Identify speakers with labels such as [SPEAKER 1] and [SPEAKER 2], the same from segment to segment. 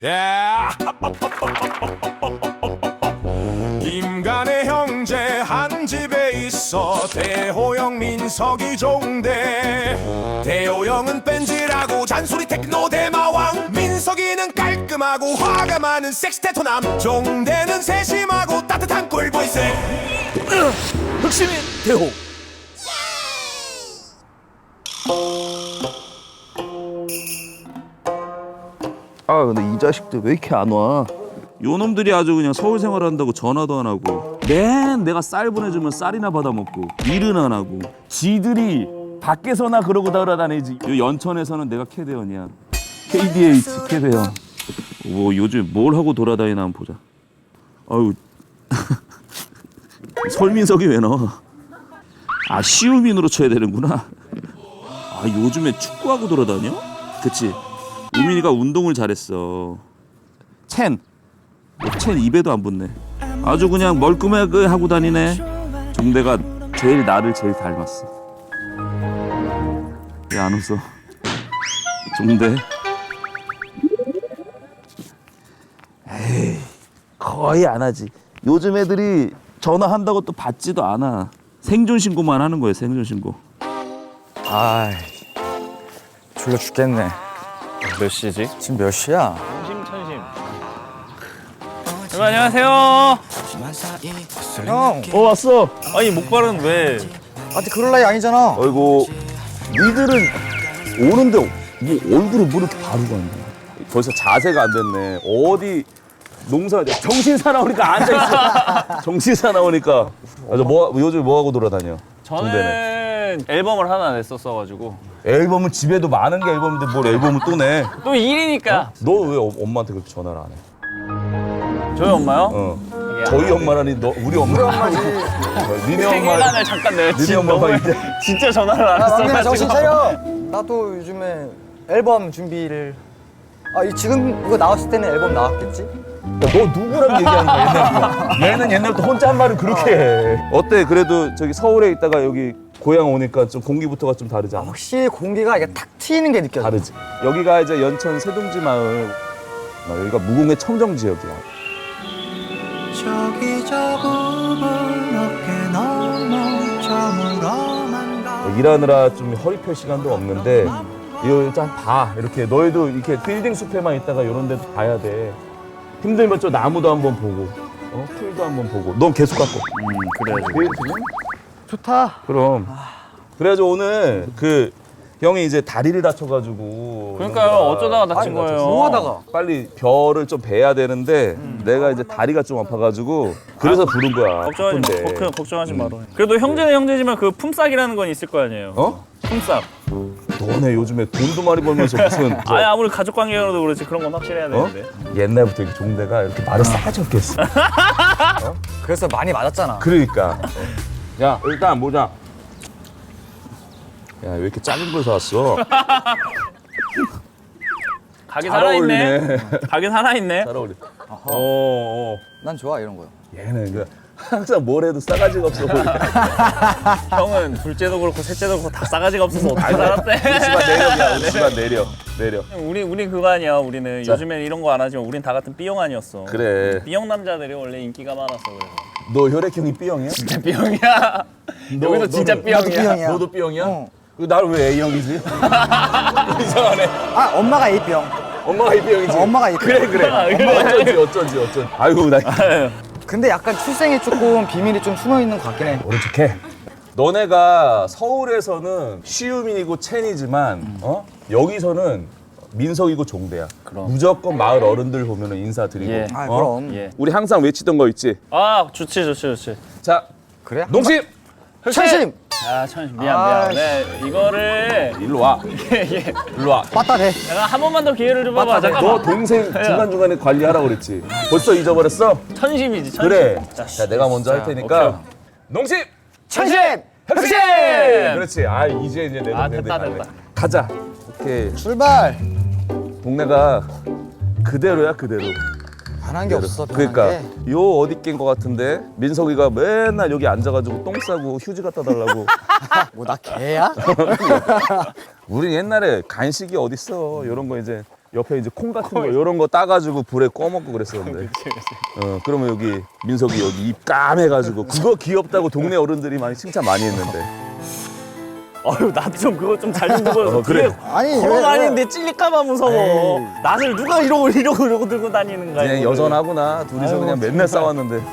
[SPEAKER 1] 임간의 형제 한 집에 있어 대호영 민석이 종대. 대호영은 뺀질하고 잔소리 테크노 대마왕, 민석이는 깔끔하고 화가 많은 섹스테토남, 종대는 세심하고 따뜻한 꿀보이스.
[SPEAKER 2] 흑심인 대호. 아 근데 이 자식들 왜 이렇게 안 와? 요놈들이 아주 그냥 서울 생활한다고 전화도 안 하고, 맨 내가 쌀 보내주면 쌀이나 받아먹고 일은 안 하고, 지들이 밖에서나 그러고 돌아다니지. 요 연천에서는 내가 캐대원이야. KDH 캐대원. 뭐 요즘 뭘 하고 돌아다니나 한번 보자. 아유 설민석이 왜 나와? 아 시우민으로 쳐야 되는구나. 아 요즘에 축구하고 돌아다녀? 그치? 우민이가 운동을 잘했어. 첸 입에도 안 붙네. 아주 그냥 멀끔하게 하고 다니네. 종대가 제일 나를 제일 닮았어. 왜 안 웃어? 종대. 에이 거의 안 하지. 요즘 애들이 전화한다고 또 받지도 않아. 생존 신고만 하는 거예요. 생존 신고.
[SPEAKER 3] 아이, 졸려 죽겠네.
[SPEAKER 4] 몇 시지?
[SPEAKER 3] 지금 몇 시야?
[SPEAKER 4] 천심. 여러분 안녕하세요.
[SPEAKER 3] 형,
[SPEAKER 2] 왔어.
[SPEAKER 4] 아니 목발은 왜?
[SPEAKER 3] 아직 그럴 나이 아니잖아.
[SPEAKER 2] 아이고 니들은 오는데 뭐 얼굴을 뭐 이렇게 바르고 앉아. 벌써 자세가 안 됐네. 어디 농사 정신 사나우니까 앉아 있어. 정신 사나우니까. 아저 뭐 요즘 뭐 하고 돌아다녀? 종대는.
[SPEAKER 4] 저는 앨범을 하나 냈었어가지고
[SPEAKER 2] 앨범은 집에도 많은 게 앨범인데 뭘 앨범을 또 내?
[SPEAKER 4] 또 일이니까.
[SPEAKER 2] 너 왜 엄마한테 그렇게 전화를 안 해?
[SPEAKER 4] 저희 엄마요?
[SPEAKER 2] 어. 저희 엄마라니 너 우리 엄마. 니네 엄마.
[SPEAKER 4] 생일날 잠깐 내가
[SPEAKER 2] 니네 엄마가 이제
[SPEAKER 4] 진짜 전화를 안
[SPEAKER 3] 막내야
[SPEAKER 4] 했어가지고.
[SPEAKER 3] 정신 차려. 나도 요즘에 앨범 준비를. 지금 이거 나왔을 때는 앨범 나왔겠지?
[SPEAKER 2] 너 누구랑 얘기하는 거야 옛날부터? 얘는 옛날부터 혼자 한 말을 그렇게 해. 어때? 그래도 저기 서울에 있다가 여기 고향 오니까 좀 공기부터가 좀 다르지 않아?
[SPEAKER 3] 확실히 공기가 이게 탁 트이는 게 느껴져.
[SPEAKER 2] 다르지. 여기가 이제 연천 세둥지 마을. 여기가 무공의 청정 지역이야.
[SPEAKER 5] 저기 저 구분 어깨 넘어 저물어만 가.
[SPEAKER 2] 일하느라 좀 허리 펼 시간도 없는데 이거 일단 봐. 이렇게 너희도 이렇게 빌딩 숲에만 있다가 이런 데도 봐야 돼. 힘들면 저 나무도 한번 보고, 풀도 한번 보고. 넌 계속 갖고.
[SPEAKER 4] 그래야지.
[SPEAKER 3] 좋다.
[SPEAKER 2] 그럼. 그래가지고 오늘 그 형이 이제 다리를 다쳐가지고.
[SPEAKER 4] 그러니까요. 어쩌다가 다친 거예요.
[SPEAKER 3] 뭐 하다가?
[SPEAKER 2] 빨리 별을 좀 베야 되는데 내가 이제 다리가 좀 아파가지고 그래서 부른 거야. 바쁜데.
[SPEAKER 4] 걱정하지 마라. 그래도 형제는 형제지만 그 품삯이라는 건 있을 거 아니에요.
[SPEAKER 2] 어?
[SPEAKER 4] 품삯.
[SPEAKER 2] 너네 요즘에 돈도 많이 벌면서 무슨
[SPEAKER 4] 아니 아무리 가족 관계로도 그렇지 그런 건 확실해야 되는데.
[SPEAKER 2] 옛날부터 이렇게 종대가 이렇게 말을 싸가지 없겠어.
[SPEAKER 3] 그래서 많이 맞았잖아.
[SPEAKER 2] 그러니까. 야 일단 보자. 야 왜 이렇게 작은 걸 사왔어?
[SPEAKER 4] 가게
[SPEAKER 2] 잘
[SPEAKER 4] 살아있네.
[SPEAKER 2] 어울리네.
[SPEAKER 4] 가게 살아있네.
[SPEAKER 2] 잘 어울려.
[SPEAKER 3] 난 좋아 이런 거요.
[SPEAKER 2] 얘는 그 항상 뭘 해도 싸가지가 없어 보이네.
[SPEAKER 4] 형은 둘째도 그렇고 셋째도 그렇고 다 싸가지가 없어서 어떻게 살았대?
[SPEAKER 2] 우리만 내려. 우리만 내려.
[SPEAKER 4] 우리 그거 아니야. 우리는 요즘엔 이런 거 안 하지만 우린 다 같은 B형 아니었어.
[SPEAKER 2] 그래.
[SPEAKER 4] B형 남자들이 원래 인기가 많았어. 그래서
[SPEAKER 2] 너 혈액형이 B형이야?
[SPEAKER 4] 진짜 B형이야. 여기도 진짜
[SPEAKER 2] 너도-
[SPEAKER 3] 나도
[SPEAKER 4] B형이야.
[SPEAKER 3] B형이야.
[SPEAKER 2] 너도 B형이야?
[SPEAKER 3] 어.
[SPEAKER 2] 나를 왜 A형이지? 이상하네.
[SPEAKER 3] 엄마가 A병.
[SPEAKER 2] 엄마가 A형이지.
[SPEAKER 3] 엄마가 A병.
[SPEAKER 2] 그래. 어쩐지. 아이고 나
[SPEAKER 3] 근데 약간 출생에 조금 비밀이 좀 숨어 있는 것 같긴 해.
[SPEAKER 2] 모른 척해. 너네가 서울에서는 시우민이고 첸이지만 여기서는 민석이고 종대야. 무조건 마을 어른들 보면은 인사드리고.
[SPEAKER 4] 예.
[SPEAKER 3] 그럼.
[SPEAKER 4] 예.
[SPEAKER 2] 우리 항상 외치던 거 있지.
[SPEAKER 4] 아 좋지.
[SPEAKER 2] 자,
[SPEAKER 3] 그래?
[SPEAKER 2] 농심
[SPEAKER 3] 천심.
[SPEAKER 4] 아 천심 미안. 네 이거를
[SPEAKER 2] 일로 와.
[SPEAKER 4] 예.
[SPEAKER 2] 일로 와.
[SPEAKER 3] 빠따대.
[SPEAKER 4] 내가 한 번만 더 기회를 줘봐봐.
[SPEAKER 2] 너
[SPEAKER 4] 잠깐만.
[SPEAKER 2] 동생 중간 중간에 관리하라 그랬지. 벌써 잊어버렸어?
[SPEAKER 4] 천심이지. 천심.
[SPEAKER 2] 그래.
[SPEAKER 4] 자,
[SPEAKER 2] 자, 내가 먼저 할 테니까.
[SPEAKER 4] 오케이.
[SPEAKER 2] 농심.
[SPEAKER 3] 천심.
[SPEAKER 2] 혁신! 그렇지. 아 이제 내
[SPEAKER 4] 아,
[SPEAKER 2] 동생들
[SPEAKER 4] 됐다,
[SPEAKER 2] 갈래.
[SPEAKER 4] 됐다.
[SPEAKER 2] 가자. 오케이.
[SPEAKER 3] 출발.
[SPEAKER 2] 동네가 그대로야 그대로.
[SPEAKER 3] 변한 게 없어. 변한
[SPEAKER 2] 그러니까
[SPEAKER 3] 게.
[SPEAKER 2] 요 어디 낀 거 같은데 민석이가 맨날 여기 앉아가지고 똥 싸고 휴지 갖다 달라고.
[SPEAKER 3] 뭐 나 개야?
[SPEAKER 2] 우리 옛날에 간식이 어딨어. 이런 거 이제 옆에 이제 콩 같은 거 이런 거 따가지고 불에 꺼 먹고 그랬었는데. 그러면 여기 민석이 여기 입 까매가지고 그거 귀엽다고 동네 어른들이 많이 칭찬 많이 했는데.
[SPEAKER 4] 어휴 나도 좀 그거 좀 잘 좀 보여줘.
[SPEAKER 2] 그래.
[SPEAKER 3] 아니
[SPEAKER 4] 걸어 다니는데 찔릴까봐 무서워. 낫을 누가 이러고 들고 다니는 거야.
[SPEAKER 2] 그냥
[SPEAKER 4] 이거를.
[SPEAKER 2] 여전하구나. 둘이서
[SPEAKER 3] 아이고,
[SPEAKER 2] 그냥 맨날 싸웠는데.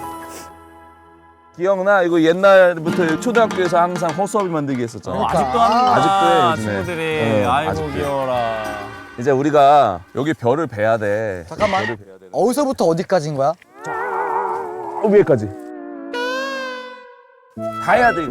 [SPEAKER 2] 기억나? 이거 옛날부터 초등학교에서 항상 허수아비 만들기 했었잖아.
[SPEAKER 4] 아직도 하는구나.
[SPEAKER 2] 아직도 해, 요즘에.
[SPEAKER 4] 친구들이. 아이고
[SPEAKER 2] 아직도 해.
[SPEAKER 4] 귀여워라.
[SPEAKER 2] 이제 우리가 여기 별을 베야 돼.
[SPEAKER 3] 잠깐만.
[SPEAKER 2] 별을 베야 돼.
[SPEAKER 3] 어디서부터 어디까지인 거야?
[SPEAKER 2] 위에까지. 다 해야 돼 이거.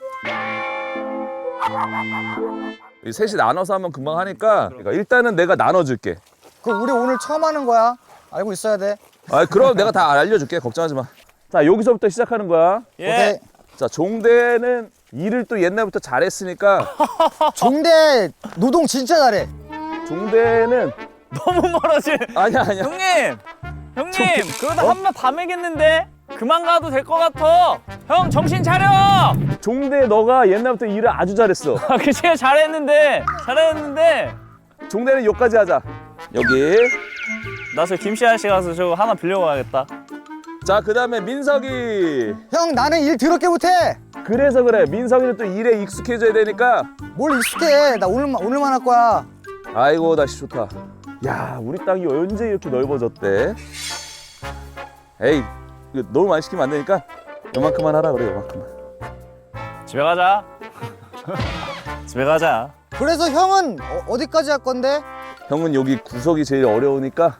[SPEAKER 2] 이 셋이 나눠서 하면 금방 하니까 그러니까 일단은 내가 나눠줄게.
[SPEAKER 3] 그럼 우리 오늘 처음 하는 거야. 알고 있어야 돼.
[SPEAKER 2] 아 그럼 내가 다 알려줄게. 걱정하지 마. 자 여기서부터 시작하는 거야.
[SPEAKER 4] 예.
[SPEAKER 3] 오케이.
[SPEAKER 2] 자 종대는 일을 또 옛날부터 잘했으니까
[SPEAKER 3] 종대 노동 진짜 잘해.
[SPEAKER 2] 종대는
[SPEAKER 4] 너무 멀어지.
[SPEAKER 2] 아니야
[SPEAKER 4] 형님 그러다 한 번 다 매겠는데 그만 가도 될 것 같아. 형 정신 차려.
[SPEAKER 2] 종대 너가 옛날부터 일을 아주 잘했어.
[SPEAKER 4] 그치 잘했는데
[SPEAKER 2] 종대는 여기까지 하자. 여기.
[SPEAKER 4] 나 저 김씨 아저씨 가서 저거 하나 빌려가야겠다.
[SPEAKER 2] 자 그다음에 민석이.
[SPEAKER 3] 형 나는 일 더럽게 못해.
[SPEAKER 2] 그래서 그래. 민석이는 또 일에 익숙해져야 되니까.
[SPEAKER 3] 뭘 익숙해. 나 오늘만 할 거야.
[SPEAKER 2] 아이고 날씨 좋다. 야 우리 땅이 언제 이렇게 넓어졌대? 에이 이거 너무 많이 시키면 안 되니까 요만큼만 하라 그래. 요만큼만.
[SPEAKER 4] 집에 가자. 집에 가자.
[SPEAKER 3] 그래서 형은 어디까지 할 건데?
[SPEAKER 2] 형은 여기 구석이 제일 어려우니까.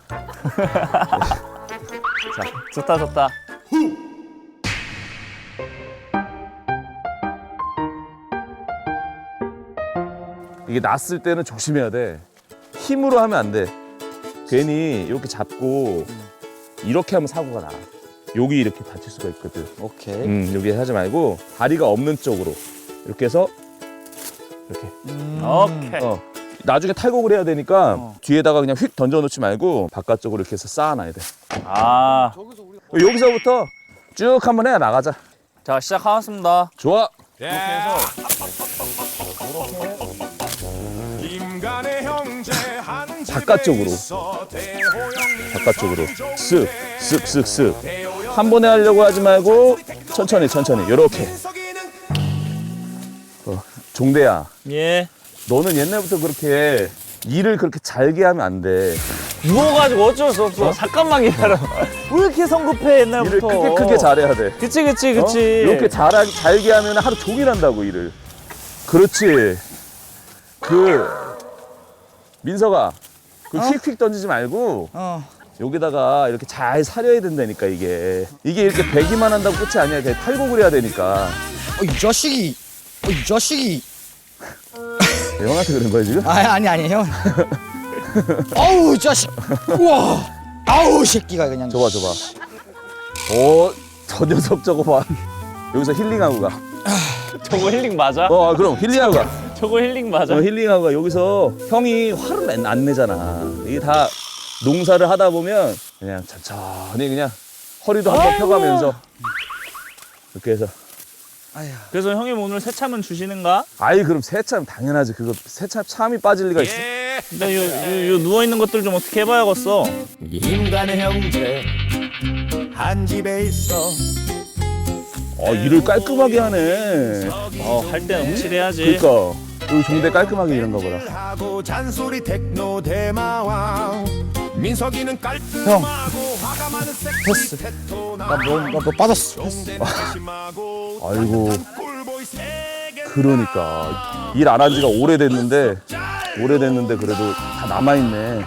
[SPEAKER 4] 좋다.
[SPEAKER 2] 이게 났을 때는 조심해야 돼. 힘으로 하면 안 돼. 괜히 이렇게 잡고 이렇게 하면 사고가 나. 여기 이렇게 다칠 수가 있거든.
[SPEAKER 3] 오케이.
[SPEAKER 2] 여기 하지 말고 다리가 없는 쪽으로 이렇게 해서 이렇게.
[SPEAKER 4] 오케이.
[SPEAKER 2] 나중에 탈곡을 해야 되니까 뒤에다가 그냥 휙 던져놓지 말고 바깥쪽으로 이렇게 해서 쌓아놔야 돼.
[SPEAKER 4] 아,
[SPEAKER 2] 여기서부터 쭉 한번 해 나가자.
[SPEAKER 4] 자 시작하겠습니다.
[SPEAKER 2] 좋아.
[SPEAKER 1] 인간의 형제 한 집에
[SPEAKER 2] 바깥쪽으로.
[SPEAKER 1] 있어 대호영
[SPEAKER 2] 바깥쪽으로 쓱쓱쓱쓱 한 번에 하려고 하지 말고 천천히 요렇게. 종대야
[SPEAKER 4] 예.
[SPEAKER 2] 너는 옛날부터 그렇게 일을 그렇게 잘게 하면 안 돼.
[SPEAKER 4] 누워가지고 어쩔 수 없어. 잠깐만 기다려. 왜 이렇게 성급해
[SPEAKER 2] 일을
[SPEAKER 4] 옛날부터.
[SPEAKER 2] 크게 잘해야 돼.
[SPEAKER 4] 그치.
[SPEAKER 2] 이렇게 잘게 하면 하루 종일 한다고 일을. 그렇지. 민석아 휙휙 던지지 말고 여기다가 이렇게 잘 사려야 된다니까. 이게 이렇게 배기만 한다고 끝이 아니야. 이렇게 탈곡을 해야 되니까.
[SPEAKER 3] 이 자식이.
[SPEAKER 2] 형한테 그런 거야 지금?
[SPEAKER 3] 아니 형. 아우 자식. 우와. 아우 새끼가 그냥.
[SPEAKER 2] 줘봐. 저 녀석 저거 봐. 여기서 힐링하고 가.
[SPEAKER 4] 저거 힐링 맞아?
[SPEAKER 2] 그럼 힐링하고 가.
[SPEAKER 4] 저거 힐링 맞아?
[SPEAKER 2] 힐링하고 가. 여기서 형이 화를 안 내잖아. 이게 다 농사를 하다 보면 그냥 천천히 그냥 허리도 한번 펴가면서 이렇게 해서.
[SPEAKER 4] 그래서 형님 오늘 새참은 주시는가?
[SPEAKER 2] 아이 그럼 새참 당연하지. 그거 새참 참이 빠질 리가 있어.
[SPEAKER 4] 근데 요 누워있는 것들 좀 어떻게 해봐야겠어.
[SPEAKER 1] 인간의 형제 한 집에 있어
[SPEAKER 2] 일을 깔끔하게 하네.
[SPEAKER 4] 할 때는 확실해야지.
[SPEAKER 2] 그러니까 여기 종대 깔끔하게 이런가 보다.
[SPEAKER 1] 하고 잔소리 테크노 대마왕 민석이는 깔끔하고 화가 많은 섹시 테토
[SPEAKER 3] 너 빠졌어.
[SPEAKER 2] 아이고 그러니까 일 안 한 지가 오래됐는데 그래도 다 남아있네.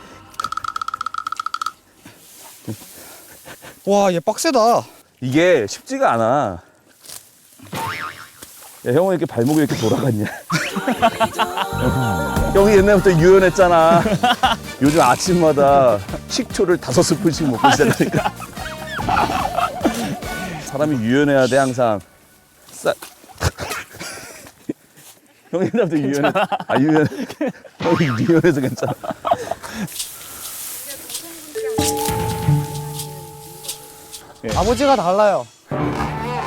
[SPEAKER 3] 와 얘 빡세다.
[SPEAKER 2] 이게 쉽지가 않아. 야, 형은 이렇게 발목이 이렇게 돌아갔냐? 형이 옛날부터 유연했잖아. 요즘 아침마다 식초를 5스푼씩 먹고 있다니까. 사람이 유연해야 돼 항상. 형이 옛날부터 유연해. 형이 유연해서 괜찮아.
[SPEAKER 3] 아버지가 달라요.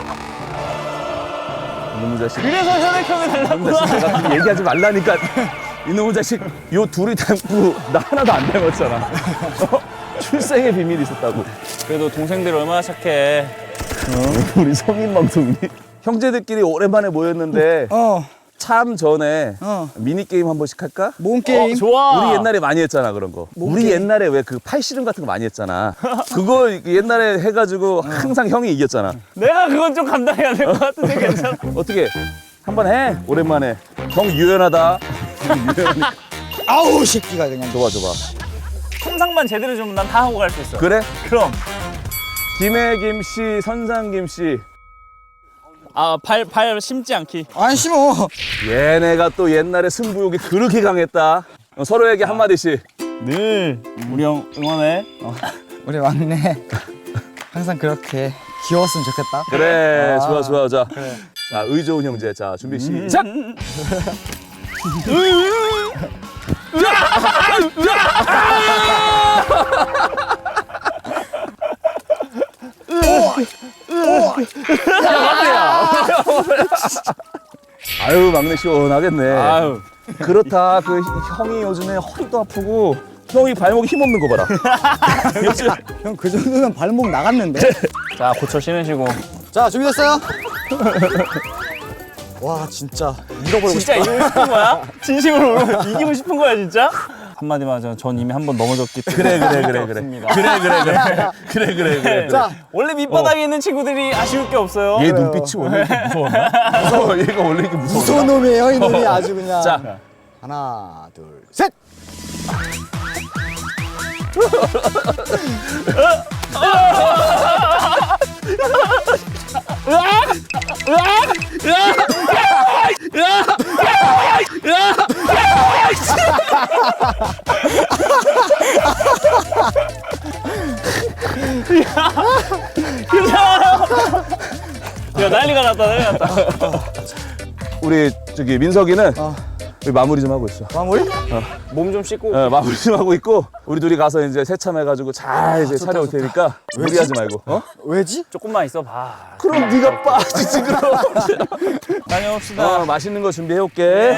[SPEAKER 2] 이놈의 자식.
[SPEAKER 4] 그래서 혈액형이 달라고.
[SPEAKER 2] 내가 얘기하지 말라니까. 이놈의 자식 요 둘이 닮고 나 하나도 안 닮았잖아. 어? 출생의 비밀이 있었다고.
[SPEAKER 4] 그래도 동생들 얼마나 착해.
[SPEAKER 2] 우리 성인 방송이 형제들끼리 오랜만에 모였는데 참 전에 미니 게임 한 번씩 할까?
[SPEAKER 3] 모험 게임.
[SPEAKER 4] 좋아.
[SPEAKER 2] 우리 옛날에 많이 했잖아 그런 거. 우리 옛날에 왜 그 팔씨름 같은 거 많이 했잖아. 그거 옛날에 해가지고 항상 형이 이겼잖아.
[SPEAKER 4] 내가 그건 좀 감당해야 될 것 같은데 괜찮아.
[SPEAKER 2] 어떻게 한번 해? 오랜만에. 형 유연하다.
[SPEAKER 3] 아우 새끼가 그냥.
[SPEAKER 2] 좋아.
[SPEAKER 4] 통상만 제대로 주면 난 다 하고 갈 수 있어.
[SPEAKER 2] 그래?
[SPEAKER 4] 그럼.
[SPEAKER 2] 김해김 씨, 선상김 씨.
[SPEAKER 4] 아, 발 심지 않기.
[SPEAKER 3] 안 심어.
[SPEAKER 2] 얘네가 또 옛날에 승부욕이 그렇게 강했다. 서로에게 한마디씩.
[SPEAKER 4] 늘 우리 형 응원해.
[SPEAKER 3] 우리 막내 항상 그렇게 귀여웠으면 좋겠다.
[SPEAKER 2] 그래, 좋아. 자, 자, 의좋은 형제. 자, 준비 시작. 아유, 막내 시원하겠네.
[SPEAKER 4] 아유.
[SPEAKER 2] 그렇다. 그 형이 요즘에 허리도 아프고 형이 발목에 힘 없는 거 봐라. 요즘
[SPEAKER 3] 형 그 정도면 발목 나갔는데.
[SPEAKER 4] 자, 고쳐 신으시고.
[SPEAKER 3] 자 준비됐어요? 와 진짜 잃어버리고
[SPEAKER 4] 진짜
[SPEAKER 3] 싶다.
[SPEAKER 4] 이기고 싶은 거야? 진심으로 이기고 싶은 거야, 진짜? 한마디만 하자면 전 이미 한 번 넘어졌기 때문에.
[SPEAKER 2] 그래.
[SPEAKER 3] 자
[SPEAKER 4] 원래 밑바닥에 있는 친구들이 아쉬울 게 없어요.
[SPEAKER 2] 얘 눈빛이 원래 이렇게 무서웠나? 무서워. 얘가 원래 이렇게 무서워.
[SPEAKER 3] 무서운 놈이에요 이 놈이 아주 그냥.
[SPEAKER 2] 자,
[SPEAKER 3] 하나 둘 셋.
[SPEAKER 4] 야, 난리가 났다.
[SPEAKER 2] 우리 저기 민석이는 우리 마무리 좀 하고 있어.
[SPEAKER 3] 마무리?
[SPEAKER 4] 몸 좀 씻고.
[SPEAKER 2] 마무리 좀 하고 있고 우리 둘이 가서 이제 세참해가지고 잘 이제 차려올 테니까 무리하지 말고. 어?
[SPEAKER 3] 왜지?
[SPEAKER 4] 조금만 있어 봐.
[SPEAKER 2] 그럼 네가 빠지지 그럼.
[SPEAKER 4] 다녀옵시다.
[SPEAKER 2] 맛있는 거 준비해 올게.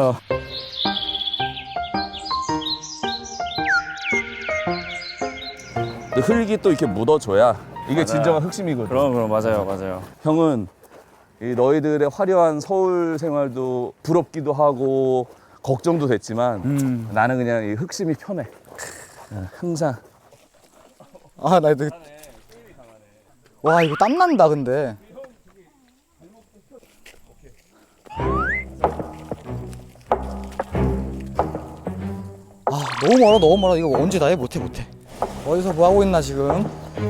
[SPEAKER 2] 흙이 또 이렇게 묻어줘야 이게 진정한 흑심이거든.
[SPEAKER 4] 그럼 맞아요.
[SPEAKER 2] 형은 이 너희들의 화려한 서울 생활도 부럽기도 하고 걱정도 됐지만 나는 그냥 이 흑심이 편해. 항상.
[SPEAKER 3] 아나 이거. 와 이거 땀 난다 근데. 아 너무 멀어 이거 언제 다 해? 못해 어디서 뭐 하고 있나 지금.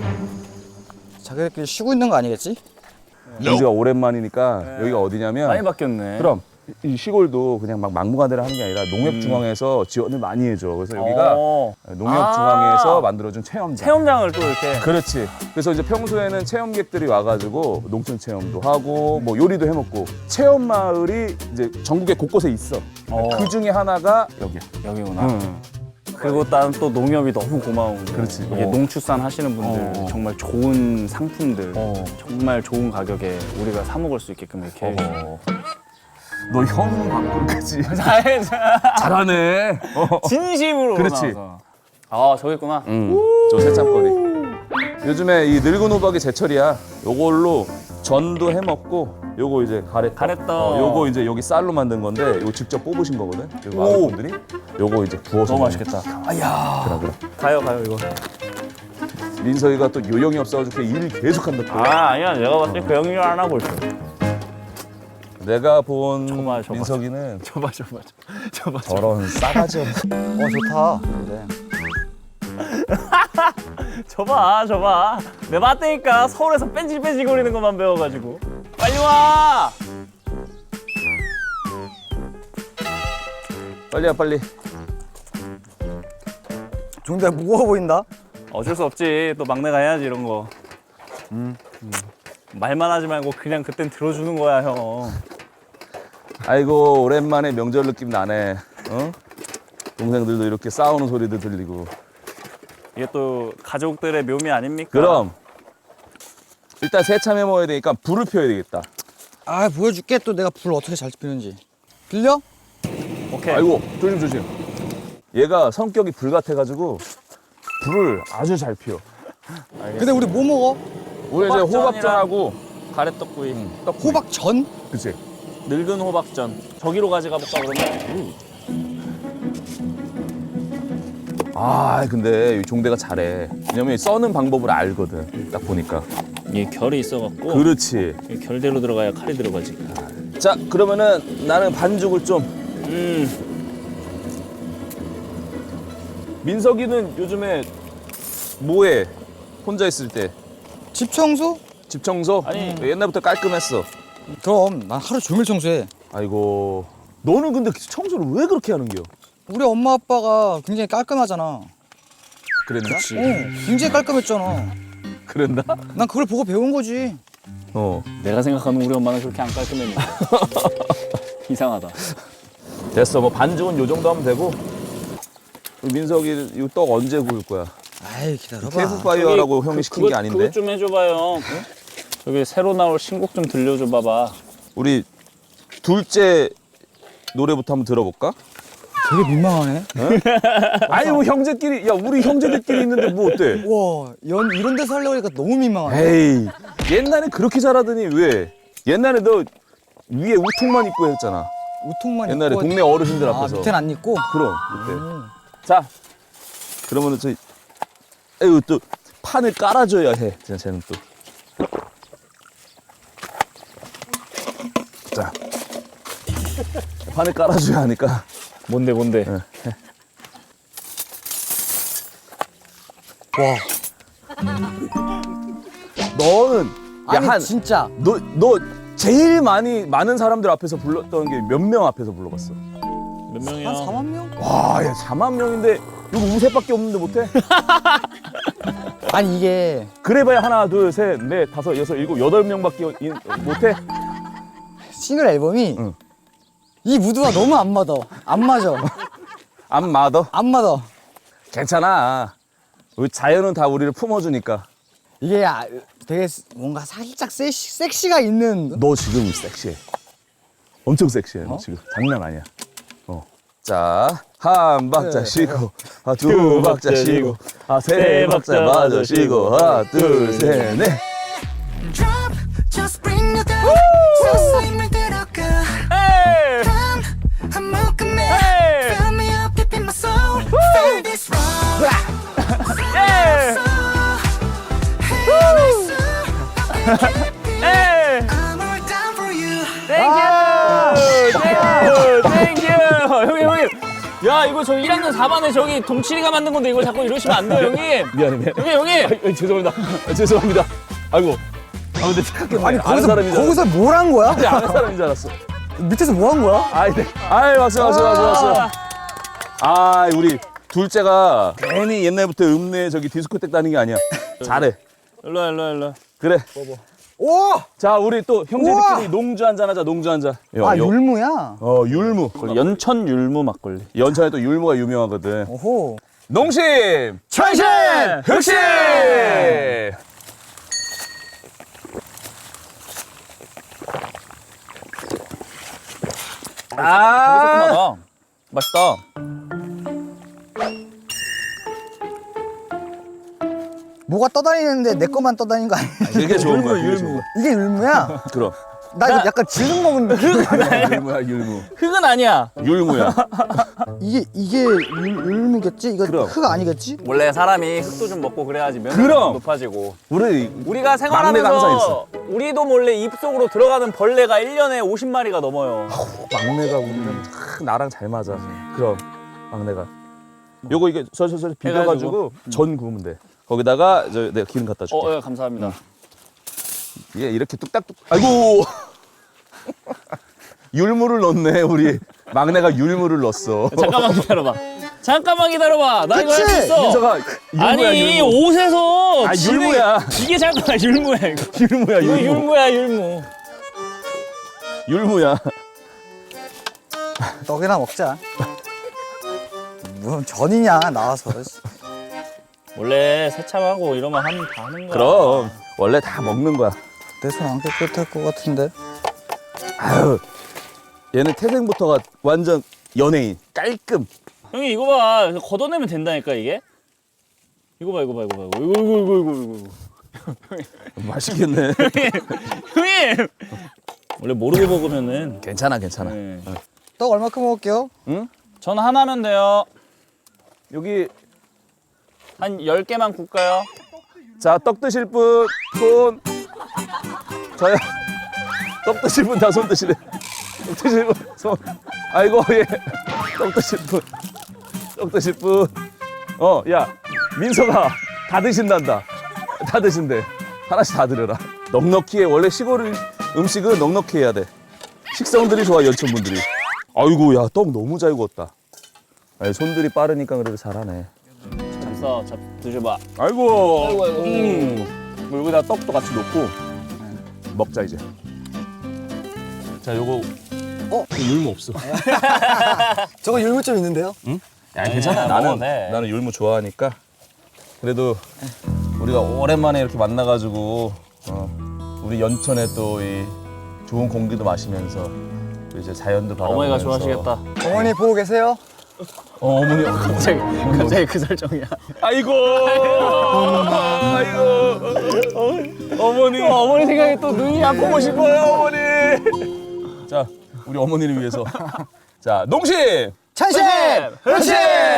[SPEAKER 3] 자기들끼리 쉬고 있는 거 아니겠지?
[SPEAKER 2] 우리가 오랜만이니까 여기가 어디냐면
[SPEAKER 4] 많이 바뀌었네.
[SPEAKER 2] 그럼 이 시골도 그냥 막 막무가내로 하는 게 아니라 농협중앙에서 지원을 많이 해줘. 그래서 여기가 농협중앙에서 만들어준 체험장.
[SPEAKER 4] 체험장을 또 이렇게.
[SPEAKER 2] 그렇지. 그래서 이제 평소에는 체험객들이 와가지고 농촌 체험도 하고 뭐 요리도 해먹고 체험 마을이 이제 전국에 곳곳에 있어. 그 중에 하나가 여기야.
[SPEAKER 4] 여기구나. 그리고 또 농협이 너무 고마운 게
[SPEAKER 2] 그렇지.
[SPEAKER 4] 이게 농축산 하시는 분들 정말 좋은 상품들 정말 좋은 가격에 우리가 사 먹을 수 있게끔 이렇게
[SPEAKER 2] 너 형 방송까지 잘하네.
[SPEAKER 4] 진심으로
[SPEAKER 2] 그렇지.
[SPEAKER 4] 나와서. 아 저기 있구나.
[SPEAKER 2] 저 새참거리. 요즘에 이 늙은 호박이 제철이야. 요걸로 전도 해먹고 요거 이제 가래떡. 요거 이제 여기 쌀로 만든 건데 요거 직접 뽑으신 거거든. 여기 마을 분들이 요거 이제 구워서
[SPEAKER 4] 너무
[SPEAKER 2] 먹는
[SPEAKER 4] 맛있겠다.
[SPEAKER 2] 그래.
[SPEAKER 4] 가요 이거.
[SPEAKER 2] 민석이가 또 요령이 없어가지고 일 계속 한다. 또.
[SPEAKER 4] 아니야 내가 봤을 때 그 형이 안 하고 있어.
[SPEAKER 2] 내가 본
[SPEAKER 4] 저봐.
[SPEAKER 2] 민석이는
[SPEAKER 4] 저봐.
[SPEAKER 2] 저런 싸가지 없는.
[SPEAKER 3] 좋다. 네.
[SPEAKER 4] 저봐. 내가 봤다니까 서울에서 뺀질뺀질거리는 것만 배워가지고. 빨리 와.
[SPEAKER 2] 빨리야 빨리.
[SPEAKER 3] 종대 무거워 보인다.
[SPEAKER 4] 어쩔 수 없지. 또 막내가 해야지 이런 거. 말만 하지 말고 그냥 그땐 들어주는 거야 형.
[SPEAKER 2] 아이고 오랜만에 명절 느낌 나네. 어? 동생들도 이렇게 싸우는 소리도 들리고.
[SPEAKER 4] 이게 또 가족들의 묘미 아닙니까?
[SPEAKER 2] 그럼 일단 새참해 먹어야 되니까 불을 펴야 되겠다.
[SPEAKER 3] 아 보여줄게 또 내가 불 어떻게 잘 피우는지. 들려?
[SPEAKER 4] 오케이. 오케이.
[SPEAKER 2] 아이고 조심 조심. 얘가 성격이 불 같아가지고 불을 아주 잘 피워.
[SPEAKER 3] 근데 우리 뭐 먹어?
[SPEAKER 2] 우리 이제 호박전하고
[SPEAKER 4] 가래떡구이.
[SPEAKER 3] 호박전?
[SPEAKER 2] 그치.
[SPEAKER 4] 늙은 호박전. 저기로 가져가 볼까 그러면?
[SPEAKER 2] 아 근데 이 종대가 잘해. 왜냐면 써는 방법을 알거든. 딱 보니까.
[SPEAKER 4] 이게 결이 있어갖고
[SPEAKER 2] 그렇지.
[SPEAKER 4] 이 결대로 들어가야 칼이 들어가지.
[SPEAKER 2] 자 그러면은 나는 반죽을 좀. 민석이는 요즘에 뭐해? 혼자 있을 때.
[SPEAKER 3] 집 청소?
[SPEAKER 2] 집 청소?
[SPEAKER 4] 아니.
[SPEAKER 2] 옛날부터 깔끔했어.
[SPEAKER 3] 그럼 난 하루 종일 청소해.
[SPEAKER 2] 아이고. 너는 근데 청소를 왜 그렇게 하는겨?
[SPEAKER 3] 우리 엄마 아빠가 굉장히 깔끔하잖아.
[SPEAKER 2] 그랬나?
[SPEAKER 3] 굉장히 깔끔했잖아.
[SPEAKER 2] 그랬나?
[SPEAKER 3] 난 그걸 보고 배운 거지.
[SPEAKER 2] 어.
[SPEAKER 4] 내가 생각하는 우리 엄마는 그렇게 안 깔끔했는데. 이상하다.
[SPEAKER 2] 됐어. 뭐 반죽은 요 정도 하면 되고. 민석이 이거 떡 언제 구울 거야?
[SPEAKER 3] 아이 기다려봐.
[SPEAKER 2] 캠프파이어라고 형이 시킨 게 아닌데.
[SPEAKER 4] 그것 좀 해줘봐요. 여기 새로 나올 신곡 좀 들려줘 봐봐.
[SPEAKER 2] 우리 둘째 노래부터 한번 들어볼까?
[SPEAKER 3] 되게 민망하네.
[SPEAKER 2] 아니 뭐 형제끼리 야 우리 형제들끼리 있는데 뭐 어때?
[SPEAKER 3] 와, 이런 데서 하려고 하니까 너무 민망하네.
[SPEAKER 2] 에이 옛날에 그렇게 잘하더니 왜? 옛날에 너 위에 우통만 입고 했잖아.
[SPEAKER 3] 우통만
[SPEAKER 2] 옛날에
[SPEAKER 3] 입고
[SPEAKER 2] 동네 어르신들
[SPEAKER 3] 아,
[SPEAKER 2] 앞에서.
[SPEAKER 3] 밑에는 안 입고?
[SPEAKER 2] 그럼 그때. 자 그러면은 저 에휴 또 판을 깔아줘야 해. 진짜 쟤는 또. 자 판을 깔아줘야 하니까.
[SPEAKER 4] 뭔데?
[SPEAKER 3] 와.
[SPEAKER 2] 너는
[SPEAKER 3] 아니
[SPEAKER 2] 야한
[SPEAKER 3] 진짜
[SPEAKER 2] 너 제일 많은 사람들 앞에서 불렀던 게 몇 명 앞에서 불러봤어?
[SPEAKER 4] 몇 명이야?
[SPEAKER 3] 한 4만 명?
[SPEAKER 2] 와, 야 4만 명인데 이거 우세밖에 없는데 못해?
[SPEAKER 3] 아니 이게
[SPEAKER 2] 그래봐야 하나, 둘, 셋, 넷, 다섯, 여섯, 일곱, 8명밖에 못해?
[SPEAKER 3] 싱글 앨범이
[SPEAKER 2] 응.
[SPEAKER 3] 이 무드가 너무 안 맞아. 안 맞아.
[SPEAKER 2] 안 맞아?
[SPEAKER 3] 안 맞아.
[SPEAKER 2] 괜찮아. 우리 자연은 다 우리를 품어주니까.
[SPEAKER 3] 이게 되게 뭔가 살짝 섹시가 있는.
[SPEAKER 2] 너 지금 섹시해. 엄청 섹시해. 너 지금 장난 아니야. 자, 한 박자 쉬고, 두 박자 쉬고, 세 박자 마저 쉬고, 하나, 둘, 셋, 넷.
[SPEAKER 5] Drop, just bring the down. 서서히 들어가.
[SPEAKER 4] 에이!
[SPEAKER 5] Come, I'm welcome.
[SPEAKER 4] Hey!
[SPEAKER 5] Fill me up deep in my soul. Feel this wrong.
[SPEAKER 4] 에이! 에이!
[SPEAKER 5] I'm all down for you.
[SPEAKER 4] 땡큐! 형님! 야, 이거 저 1학년 4반에 저기 동치리가 만든 건데 이거 자꾸 이러시면 안 돼요, 형님!
[SPEAKER 2] 미안해.
[SPEAKER 4] 형님!
[SPEAKER 2] 죄송합니다. 죄송합니다. 아이고. 근데 착각했네.
[SPEAKER 3] 아니
[SPEAKER 2] 아는 사람인 줄
[SPEAKER 3] 거기서 뭘 한 거야?
[SPEAKER 2] 알았어. 아는 사람인 줄 알았어.
[SPEAKER 3] 밑에서 뭐 한 거야?
[SPEAKER 2] 아이, 네. 박수. 아, 우리 둘째가 괜히 옛날부터 읍내 저기 디스코텍 다니는 게 아니야. 잘해.
[SPEAKER 4] 일로 와.
[SPEAKER 2] 그래.
[SPEAKER 3] 오!
[SPEAKER 2] 자, 우리 또 형제들끼리
[SPEAKER 3] 우와!
[SPEAKER 2] 농주 한잔 하자. 농주 한잔.
[SPEAKER 3] 아 율무야?
[SPEAKER 2] 율무.
[SPEAKER 4] 연천 율무 막걸리.
[SPEAKER 2] 연천에 또 율무가 유명하거든.
[SPEAKER 3] 오호.
[SPEAKER 2] 농심,
[SPEAKER 3] 천신!
[SPEAKER 2] 흑심.
[SPEAKER 4] 새콤하다. 맛있다.
[SPEAKER 3] 뭐가 떠다니는데 내 것만 떠다니는 거 아니야?
[SPEAKER 2] 이게 좋은 거야. 율무.
[SPEAKER 3] 이게 율무야?
[SPEAKER 2] 그럼.
[SPEAKER 3] 나 이거 약간 질능 먹은 느낌.
[SPEAKER 2] 율무야, 율무.
[SPEAKER 4] 흙은 아니야.
[SPEAKER 2] 율무야.
[SPEAKER 3] 이게 율무겠지? 이거
[SPEAKER 2] 그럼.
[SPEAKER 3] 흙 아니겠지?
[SPEAKER 4] 원래 사람이 흙도 좀 먹고 그래야지 면역력이
[SPEAKER 2] 그럼.
[SPEAKER 4] 높아지고.
[SPEAKER 2] 막내가
[SPEAKER 4] 우리가
[SPEAKER 2] 항상
[SPEAKER 4] 생활하면서 우리도 몰래 입속으로 들어가는 벌레가 1년에 50마리가 넘어요.
[SPEAKER 2] 막내가 우리는 나랑 잘 맞아. 그럼 막내가. 요거 이게 서서서 비벼가지고 전 구우면 돼. 거기다가 내가 기름 갖다 줄게.
[SPEAKER 4] 예, 감사합니다.
[SPEAKER 2] 이게 이렇게 뚝딱뚝. 아이고. 율무를 넣네 우리 막내가 율무를 넣었어.
[SPEAKER 4] 잠깐만 기다려봐. 나 이거 할 수
[SPEAKER 3] 그치?
[SPEAKER 4] 있어.
[SPEAKER 2] 민서가 율무야,
[SPEAKER 4] 아니
[SPEAKER 2] 율무.
[SPEAKER 4] 옷에서
[SPEAKER 2] 아,
[SPEAKER 4] 진행-
[SPEAKER 2] 율무야.
[SPEAKER 4] 이게 잠깐만 율무야 이거.
[SPEAKER 2] 율무야
[SPEAKER 4] 이거
[SPEAKER 2] 율무.
[SPEAKER 4] 율무야 율무.
[SPEAKER 2] 율무야.
[SPEAKER 3] 떡이나 먹자. 무슨 전이냐 나와서.
[SPEAKER 4] 원래 세참하고 이러면 하면 다 하는 거야.
[SPEAKER 2] 그럼 원래 다 먹는 거야.
[SPEAKER 3] 내 손 안 깨끗할 것 같은데.
[SPEAKER 2] 아유. 얘는 태생부터가 완전 연예인 깔끔.
[SPEAKER 4] 형님 이거 봐. 걷어내면 된다니까 이게. 이거 봐. 이거.
[SPEAKER 2] 맛있겠네.
[SPEAKER 4] 형님. 원래 모르고 먹으면은.
[SPEAKER 2] 괜찮아.
[SPEAKER 4] 네.
[SPEAKER 3] 떡 얼마큼 먹을게요?
[SPEAKER 4] 전 하나면 돼요.
[SPEAKER 2] 여기
[SPEAKER 4] 한 10개만 굽까요?
[SPEAKER 2] 자, 떡 드실 분 손. 저요. 떡 드실 분 다 손 드시래. 떡 드실 분 손. 아이고 예. 떡 드실 분. 떡 드실 분. 야 민서가 다 드신단다. 다 드신대. 하나씩 다 드려라. 넉넉히 해. 원래 시골 음식은 넉넉히 해야 돼. 식성들이 좋아 연천분들이. 아이고 야 떡 너무 잘 구웠다. 아니, 손들이 빠르니까 그래도 잘하네.
[SPEAKER 4] 잡숴, 드셔봐.
[SPEAKER 2] 아이고.
[SPEAKER 4] 뭐 여기다 떡도 같이 놓고.
[SPEAKER 2] 먹자 이제. 자 요거. 율무 없어.
[SPEAKER 3] 저거 율무 좀 있는데요?
[SPEAKER 2] 야 괜찮아.
[SPEAKER 4] 먹어도 돼.
[SPEAKER 2] 나는 율무 좋아하니까. 그래도 우리가 오랜만에 이렇게 만나가지고 우리 연천에 또 이 좋은 공기도 마시면서 또 이제 자연도 바라보면서.
[SPEAKER 4] 어머니가 좋아하시겠다.
[SPEAKER 3] 어머니 보고 계세요?
[SPEAKER 2] 어머니.
[SPEAKER 4] 갑자기 그 설정이야.
[SPEAKER 2] 아이고. 어머니.
[SPEAKER 4] 어머니 생각에 또 눈이 아프고 싶어요.
[SPEAKER 2] 어머니. 자 우리 어머니를 위해서. 자 농심.
[SPEAKER 3] 찬심!
[SPEAKER 4] 그렇지!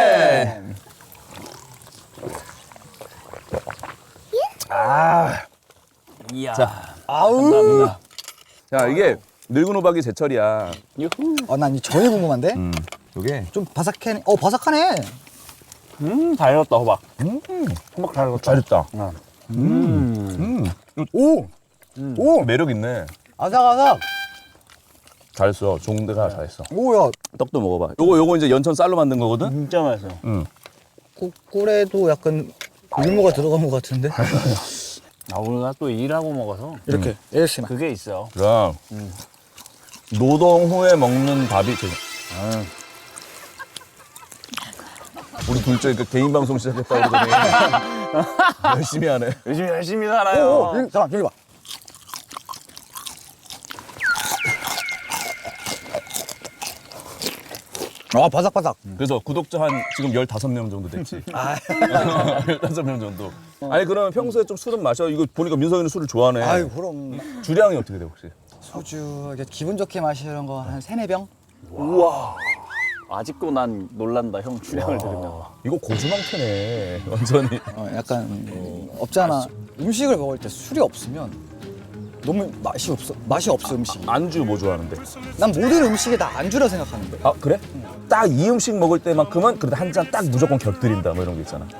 [SPEAKER 4] 이야.
[SPEAKER 3] 아우!
[SPEAKER 2] 자 이게 늙은 호박이 제철이야.
[SPEAKER 3] 난 이 전이 궁금한데?
[SPEAKER 2] 요게
[SPEAKER 3] 좀 바삭해. 바삭하네.
[SPEAKER 4] 다 익었다, 호박. 호박 다 익었다.
[SPEAKER 2] 잘했다.
[SPEAKER 3] 오!
[SPEAKER 2] 오 매력 있네.
[SPEAKER 3] 아삭아삭.
[SPEAKER 2] 잘했어. 종대가 잘했어.
[SPEAKER 3] 오야.
[SPEAKER 2] 떡도 먹어봐. 요거 이제 연천 쌀로 만든 거거든.
[SPEAKER 4] 진짜 맛있어.
[SPEAKER 3] 꿀에도 약간 율무가 들어간 것 같은데?
[SPEAKER 4] 우리가 또 일하고 먹어서
[SPEAKER 3] 이렇게 ASMR.
[SPEAKER 4] 그게 있어요.
[SPEAKER 2] 그럼 노동 후에 먹는 밥이 우리 둘째 그 개인 방송 시작했다 그러더니 열심히 하네.
[SPEAKER 4] 요즘 열심히 살아요.
[SPEAKER 3] 잠깐 여기 봐. 바삭바삭.
[SPEAKER 2] 그래서 구독자 한 지금 15명 정도 됐지. 15명 정도. 아니 그러면 평소에 좀 술은 마셔? 이거 보니까 민석이는 술을 좋아하네.
[SPEAKER 3] 아유 그럼
[SPEAKER 2] 주량이 어떻게 돼 혹시?
[SPEAKER 3] 소주 이렇게 기분 좋게 마시는 거 한 3-4병?
[SPEAKER 4] 아직도 난 놀란다, 형 주량을 들으면.
[SPEAKER 2] 이거 고주망태네 완전히.
[SPEAKER 3] 약간 없잖아. 음식을 먹을 때 술이 없으면 너무 맛이 없어 음식이.
[SPEAKER 2] 안주 뭐 좋아하는데?
[SPEAKER 3] 난 모든 음식에 다 안주라 생각하는데.
[SPEAKER 2] 아 그래? 딱 이 음식 먹을 때만큼은 그래도 한 잔 딱 무조건 곁들인다 뭐 이런 거 있잖아.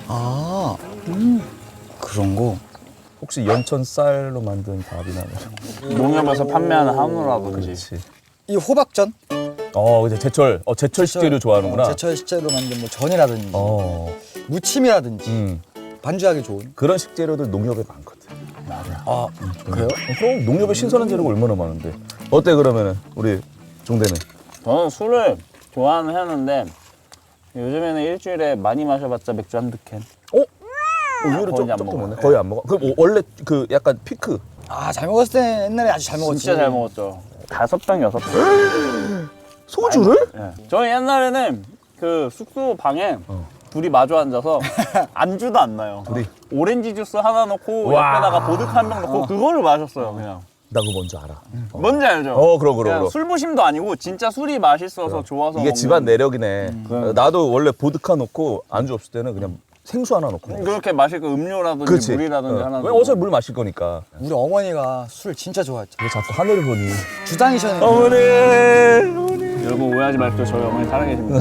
[SPEAKER 3] 그런 거.
[SPEAKER 2] 혹시 연천 쌀로 만든 밥이나 뭐.
[SPEAKER 4] 농협에서 판매하는 한우라든지.
[SPEAKER 2] 그렇지.
[SPEAKER 3] 이 호박전?
[SPEAKER 2] 이제 제철 식재료 좋아하는구나.
[SPEAKER 3] 제철 식재로 만든 뭐 전이라든지 무침이라든지 반주하기 좋은.
[SPEAKER 2] 그런 식재료들 농협에 많거든.
[SPEAKER 3] 그래요?
[SPEAKER 2] 그럼 농협에 신선한 재료가 얼마나 많은데. 어때 그러면은 우리 종대는?
[SPEAKER 4] 저는 술을 좋아는 하는데 요즘에는 일주일에 많이 마셔봤자 맥주 한두 캔.
[SPEAKER 2] 의외로
[SPEAKER 4] 거의 안
[SPEAKER 2] 조금
[SPEAKER 4] 먹어요.
[SPEAKER 2] 먹네. 거의 안 먹어. 그럼 원래 그 약간 피크.
[SPEAKER 3] 잘 먹었을 때 옛날에 아주 잘 먹었지.
[SPEAKER 4] 진짜 잘 먹었죠. 5병, 6병.
[SPEAKER 2] 소주를?
[SPEAKER 4] 저희 옛날에는 그 숙소 방에 둘이 마주 앉아서 안주도 안 나요. 오렌지 주스 하나 넣고 옆에다가 보드카 한 병 넣고 그거를 마셨어요, 그냥.
[SPEAKER 2] 나 그거 뭔지 알아.
[SPEAKER 4] 뭔지 알죠?
[SPEAKER 2] 그럼.
[SPEAKER 4] 그냥 술부심도 아니고 진짜 술이 맛있어서 좋아서
[SPEAKER 2] 이게
[SPEAKER 4] 먹는.
[SPEAKER 2] 집안 내력이네. 나도 원래 보드카 넣고 안주 없을 때는 그냥 생수 하나 넣고 먹어.
[SPEAKER 4] 그렇게 마실 거 음료라든지
[SPEAKER 2] 그렇지.
[SPEAKER 4] 물이라든지 하나
[SPEAKER 2] 왜 어차피 물 마실 거니까.
[SPEAKER 3] 우리 어머니가 술 진짜 좋아했죠.
[SPEAKER 2] 왜 자꾸 하늘을 보니?
[SPEAKER 3] 주당이셨는데.
[SPEAKER 2] 어머니.
[SPEAKER 4] 여러분 오해하지 마십시오. 저희 어머니 살아계십니다.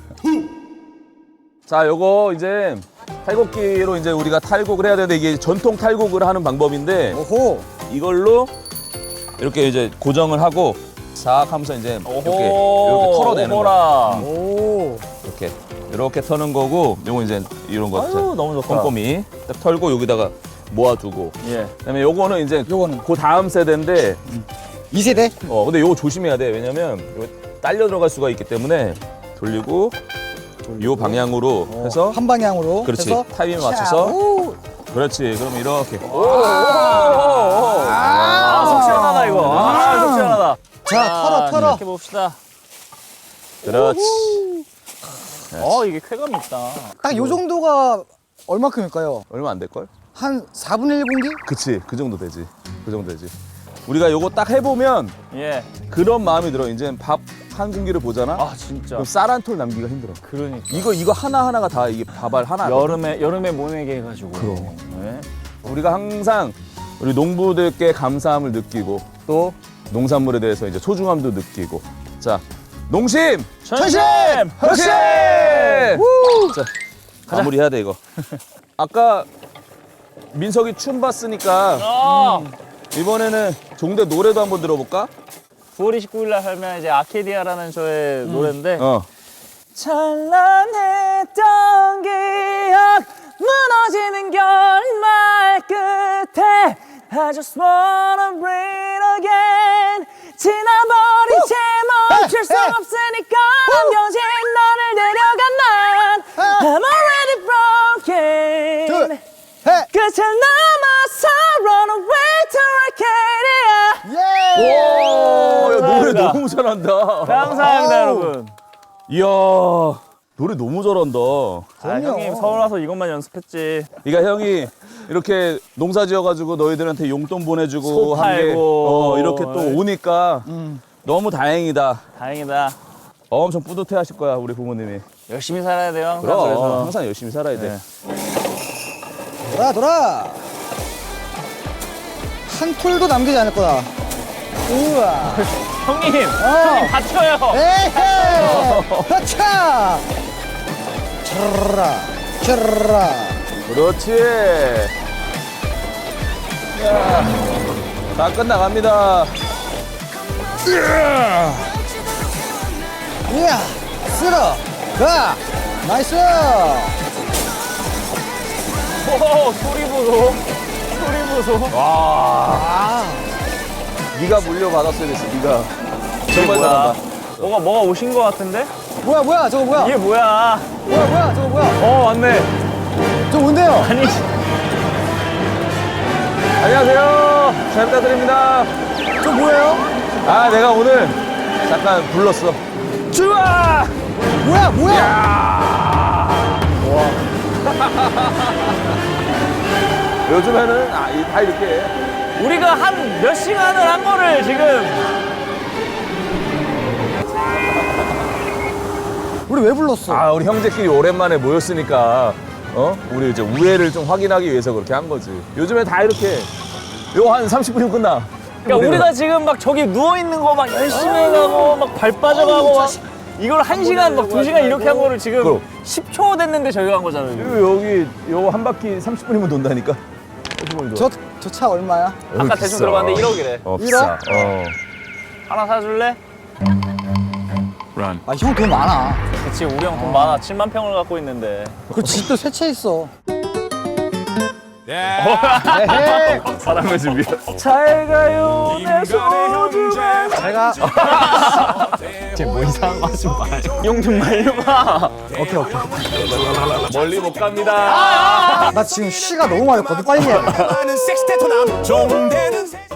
[SPEAKER 2] 자, 요거 이제 탈곡기로 이제 우리가 탈곡을 해야 되는데 이게 전통 탈곡을 하는 방법인데
[SPEAKER 3] 오호.
[SPEAKER 2] 이걸로 이렇게 이제 고정을 하고 싹 하면서 이제 이렇게 털어내는 거.
[SPEAKER 4] 오호라.
[SPEAKER 3] 오.
[SPEAKER 2] 이렇게 터는 거고 요거 이제 이런 거
[SPEAKER 4] 너무 좋다.
[SPEAKER 2] 꼼꼼히 딱 털고 여기다가 모아두고
[SPEAKER 4] 예.
[SPEAKER 2] 그다음에 요거는 이제
[SPEAKER 3] 요거는
[SPEAKER 2] 그 다음 세대인데
[SPEAKER 3] 2세대?
[SPEAKER 2] 근데 요거 조심해야 돼. 왜냐면 요거 딸려 들어갈 수가 있기 때문에 돌리고 요 방향으로 해서
[SPEAKER 3] 한 방향으로
[SPEAKER 2] 그렇지.
[SPEAKER 3] 해서
[SPEAKER 2] 타이밍에 맞춰서
[SPEAKER 3] 오.
[SPEAKER 2] 그렇지. 그럼 이렇게
[SPEAKER 4] 속 시원하다 이거. 속 시원하다.
[SPEAKER 3] 자, 털어.
[SPEAKER 4] 이렇게 봅시다.
[SPEAKER 2] 그렇지.
[SPEAKER 4] 이게 쾌감 있다.
[SPEAKER 3] 딱 요 정도가 얼마큼일까요?
[SPEAKER 2] 얼마 안 될걸?
[SPEAKER 3] 한 4분의 1 공기?
[SPEAKER 2] 그치, 그 정도 되지. 그 정도 되지. 우리가 요거 딱 해보면
[SPEAKER 4] 예.
[SPEAKER 2] 그런 마음이 들어. 이제 밥 한 공기를 보잖아?
[SPEAKER 4] 아 진짜.
[SPEAKER 2] 그럼 쌀 한 톨 남기가 힘들어.
[SPEAKER 4] 그러니까.
[SPEAKER 2] 이거 하나하나가 다 이게 밥알 하나.
[SPEAKER 4] 여름에 모내게 해가지고.
[SPEAKER 2] 그럼.
[SPEAKER 4] 네.
[SPEAKER 2] 우리가 항상 우리 농부들께 감사함을 느끼고 또 농산물에 대해서 이제 소중함도 느끼고. 자, 농심!
[SPEAKER 4] 천심!
[SPEAKER 2] 혁신! 자, 마무리해야 돼, 이거. 아까 민석이 춤 봤으니까 이번에는 종대 노래도 한번 들어볼까?
[SPEAKER 4] 9월 29일 날 하면 이제 아케디아라는 저의 노래인데 찬란했던 기억 무너지는 결말 끝에 I just wanna breathe again 지나버린 채 멈출 수 없으니까 남겨진 너를 데려간 난 I'm already broken 끝을 넘어서 run away to Arcadia
[SPEAKER 2] 오, 야, 노래 너무 잘한다.
[SPEAKER 4] 감사합니다 여러분.
[SPEAKER 2] 이야, 노래 너무 잘한다.
[SPEAKER 4] 형님 서울 와서 이것만 연습했지.
[SPEAKER 2] 그러니까 형이 이렇게 농사 지어가지고 너희들한테 용돈 보내주고
[SPEAKER 4] 소
[SPEAKER 2] 한 게
[SPEAKER 4] 팔고.
[SPEAKER 2] 이렇게 또 오니까 너무 다행이다.
[SPEAKER 4] 다행이다.
[SPEAKER 2] 엄청 뿌듯해하실 거야 우리 부모님이.
[SPEAKER 4] 열심히 살아야 돼요 항상.
[SPEAKER 2] 그럼
[SPEAKER 4] 그래서.
[SPEAKER 2] 항상 열심히 살아야 돼.
[SPEAKER 4] 네.
[SPEAKER 3] 돌아! 한 톨도 남기지 않을 거다. 우와!
[SPEAKER 4] 형님 다쳐요.
[SPEAKER 3] 에헤이! 하차! 차라라!
[SPEAKER 2] 그렇지. 야, 다 끝나갑니다.
[SPEAKER 3] 이야! 쓸어! 가! 나이스!
[SPEAKER 4] 오 소리 보소. 소리 보소.
[SPEAKER 2] 네가 물려받았어야 됐어. 네가 정말
[SPEAKER 4] 뭐야?
[SPEAKER 2] 잘한다.
[SPEAKER 4] 뭐가 오신 것 같은데?
[SPEAKER 3] 뭐야, 저거 뭐야?
[SPEAKER 4] 이게 뭐야?
[SPEAKER 3] 뭐야, 저거 뭐야?
[SPEAKER 4] 왔네.
[SPEAKER 3] 저 뭔데요?
[SPEAKER 4] 아니
[SPEAKER 2] 안녕하세요. 잘 부탁드립니다.
[SPEAKER 3] 저 뭐예요?
[SPEAKER 2] 아, 내가 오늘 잠깐 불렀어.
[SPEAKER 4] 좋아.
[SPEAKER 3] 뭐야?
[SPEAKER 2] 요즘에는 다 이렇게 해.
[SPEAKER 4] 우리가 한 몇 시간을 한 거를 지금
[SPEAKER 3] 우리 왜 불렀어?
[SPEAKER 2] 아, 우리 형제끼리 오랜만에 모였으니까 우리 이제 우애를 좀 확인하기 위해서 그렇게 한 거지. 요즘에 다 이렇게 요 한 30분이면 끝나.
[SPEAKER 4] 그러니까 우리가 지금 막 저기 누워 있는 거 막 열심히 해가고 막 발 빠져가고 막 이걸 1시간 막 2시간 이렇게 한 거를 지금
[SPEAKER 2] 그럼.
[SPEAKER 4] 10초 됐는데 저희가 한 거잖아요. 지금.
[SPEAKER 2] 여기 요 한 바퀴 30분이면 돈다니까.
[SPEAKER 3] 저 차 얼마야?
[SPEAKER 4] 아까 대충 들어봤는데 1억이래.
[SPEAKER 2] 비싸.
[SPEAKER 4] 하나 사줄래?
[SPEAKER 3] 아, 형 돈 많아.
[SPEAKER 4] 그치 우리 형 돈 많아. 7만 평을 갖고 있는데.
[SPEAKER 3] 그 집도 세 채 있어.
[SPEAKER 2] 사랑을 준비해.
[SPEAKER 4] 잘 가요 내 소중한.
[SPEAKER 3] 제가
[SPEAKER 4] 쟤뭐 이상한 거 하지 마요. 용좀 말려봐.
[SPEAKER 2] 멀리 못 갑니다.
[SPEAKER 3] 나 지금 쉬가 너무 많았거든. 빨리 해.
[SPEAKER 1] 많은 섹스테토남 종대는